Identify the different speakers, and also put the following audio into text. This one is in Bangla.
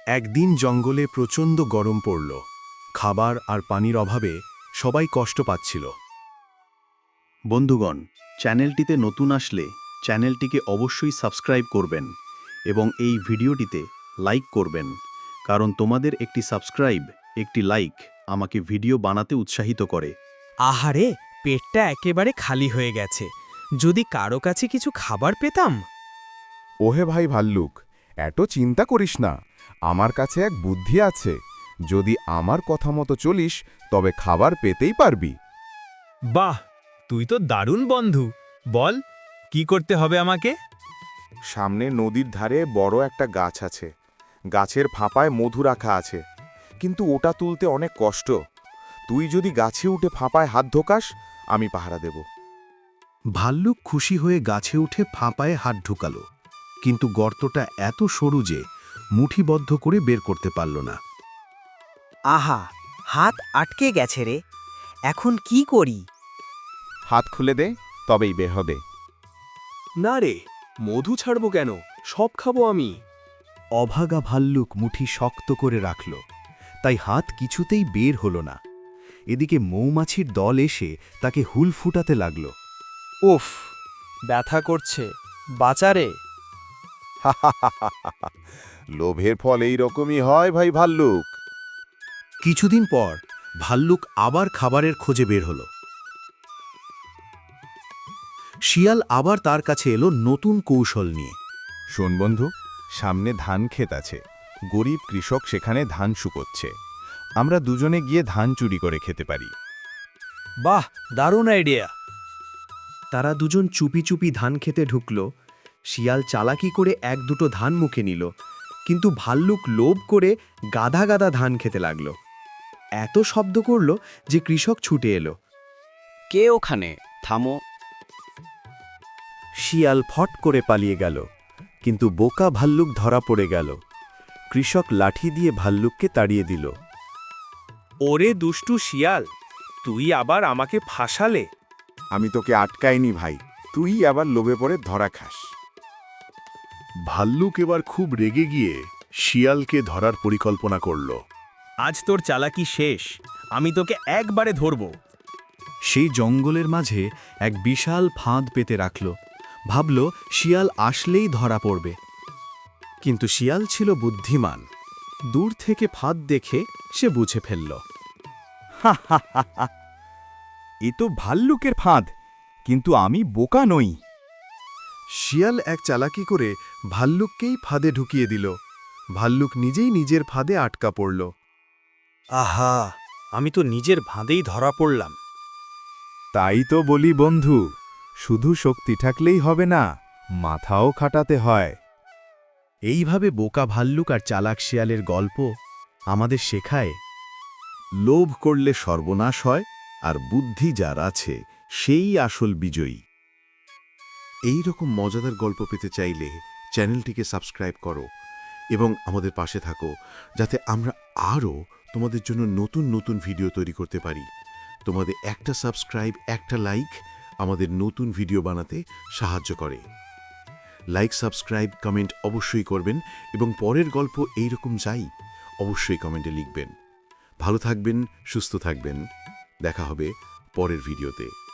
Speaker 1: একদিন জঙ্গলে প্রচণ্ড গরম পড়ল। খাবার আর পানির অভাবে সবাই কষ্ট পাচ্ছিল। বন্ধুগণ, চ্যানেলটিতে নতুন আসলে চ্যানেলটিকে অবশ্যই সাবস্ক্রাইব করবেন এবং এই ভিডিওটিতে লাইক করবেন, কারণ তোমাদের একটি সাবস্ক্রাইব, একটি লাইক আমাকে ভিডিও বানাতে উৎসাহিত করে।
Speaker 2: আহারে, পেটটা একেবারে খালি হয়ে গেছে। যদি কারো কাছে কিছু খাবার পেতাম।
Speaker 3: ওহে ভাই ভাল্লুক, এত চিন্তা করিস না, আমার কাছে এক বুদ্ধি আছে। যদি আমার কথা মতো চলিস তবে খাবার পেতেই পারবি।
Speaker 4: বাহ, তুই তো দারুণ বন্ধু। বল, কি করতে হবে আমাকে?
Speaker 3: সামনে নদীর ধারে বড় একটা গাছ আছে। গাছের ফাঁপায় মধু রাখা আছে, কিন্তু ওটা তুলতে অনেক কষ্ট। তুই যদি গাছে উঠে ফাঁপায় হাত ঢোকাস, আমি পাহারা দেব।
Speaker 1: ভাল্লুক খুশি হয়ে গাছে উঠে ফাঁপায়ে হাত ঢুকালো, কিন্তু গর্তটা এত সরু যে মুঠিবদ্ধ করে বের করতে পারল না।
Speaker 5: আহা, হাত আটকে গেছে রে। এখন কি করি?
Speaker 3: হাত খুলে দে, তবেই বের হবে।
Speaker 6: না রে, মধু ছাড়ব কেন? সব খাবো আমি।
Speaker 1: অভাগা ভাল্লুক মুঠি শক্ত করে রাখল, তাই হাত কিছুতেই বের হল না। এদিকে মৌমাছির দল এসে তাকে হুল ফুটাতে লাগল।
Speaker 2: উফ, ব্যথা করছে, বাঁচারে।
Speaker 3: লোভের ফল এই রকমই হয় ভাই ভাল্লুক।
Speaker 1: কিছুদিন পর ভাল্লুক আবার খাবারের খোঁজে বের হল। শিয়াল আবার তার কাছে এলো নতুন কৌশল নিয়ে।
Speaker 3: শোন বন্ধু, সামনে ধান ক্ষেত আছে। গরিব কৃষক সেখানে ধান শুকোচ্ছে। আমরা দুজনে গিয়ে ধান চুরি করে খেতে পারি।
Speaker 2: বাহ, দারুণ আইডিয়া।
Speaker 7: তারা দুজন চুপি চুপি ধান খেতে ঢুকল। শিয়াল চালাকি করে এক দুটো ধান মুখে নিল, কিন্তু ভাল্লুক লোভ করে গাদা গাদা ধান খেতে লাগল। এত শব্দ করল যে কৃষক ছুটে এলো।
Speaker 8: কে ওখানে? থামো।
Speaker 1: শিয়াল ফট করে পালিয়ে গেল, কিন্তু বোকা ভাল্লুক ধরা পড়ে গেল। কৃষক লাঠি দিয়ে ভাল্লুককে তাড়িয়ে দিল।
Speaker 6: ওরে দুষ্টু শিয়াল, তুই আবার আমাকে ফাঁসালে।
Speaker 3: আমি তোকে আটকাইনি ভাই, তুই আবার লোভে পড়ে ধরা খাস।
Speaker 1: ভাল্লুক এবার খুব রেগে গিয়ে শিয়ালকে ধরার পরিকল্পনা করল।
Speaker 4: আজ তোর চালাকি শেষ, আমি তোকে একবারে ধরব।
Speaker 1: সেই জঙ্গলের মাঝে এক বিশাল ফাঁদ পেতে রাখল, ভাবল শিয়াল আসলেই ধরা পড়বে। কিন্তু শিয়াল ছিল বুদ্ধিমান। দূর থেকে ফাঁদ দেখে সে বুঝে ফেলল।
Speaker 3: এ তো ভাল্লুকের ফাঁদ, কিন্তু আমি বোকা নই।
Speaker 1: শিয়াল এক চালাকি করে ভাল্লুককেই ফাঁদে ঢুকিয়ে দিল। ভাল্লুক নিজেই নিজের ফাঁদে আটকা পড়ল।
Speaker 2: আহা, আমি তো নিজের ভাঁদেই ধরা পড়লাম।
Speaker 3: তাই তো বলি বন্ধু, শুধু শক্তি থাকলেই হবে না, মাথাও খাটাতে হয়।
Speaker 1: এইভাবে বোকা ভাল্লুক আর চালাক শিয়ালের গল্প আমাদের শেখায়, লোভ করলে সর্বনাশ হয়, আর বুদ্ধি যার আছে সেই আসল বিজয়ী। এই রকম মজাদার গল্প পেতে চাইলে চ্যানেলটিকে সাবস্ক্রাইব করো এবং আমাদের পাশে থাকো, যাতে আমরা আরও তোমাদের জন্য নতুন নতুন ভিডিও তৈরি করতে পারি। তোমাদের একটা সাবস্ক্রাইব, একটা লাইক আমাদের নতুন ভিডিও বানাতে সাহায্য করে। লাইক, সাবস্ক্রাইব, কমেন্ট অবশ্যই করবেন এবং পরের গল্প এইরকম চাই অবশ্যই কমেন্টে লিখবেন। ভালো থাকবেন, সুস্থ থাকবেন। দেখা হবে পরের ভিডিওতে।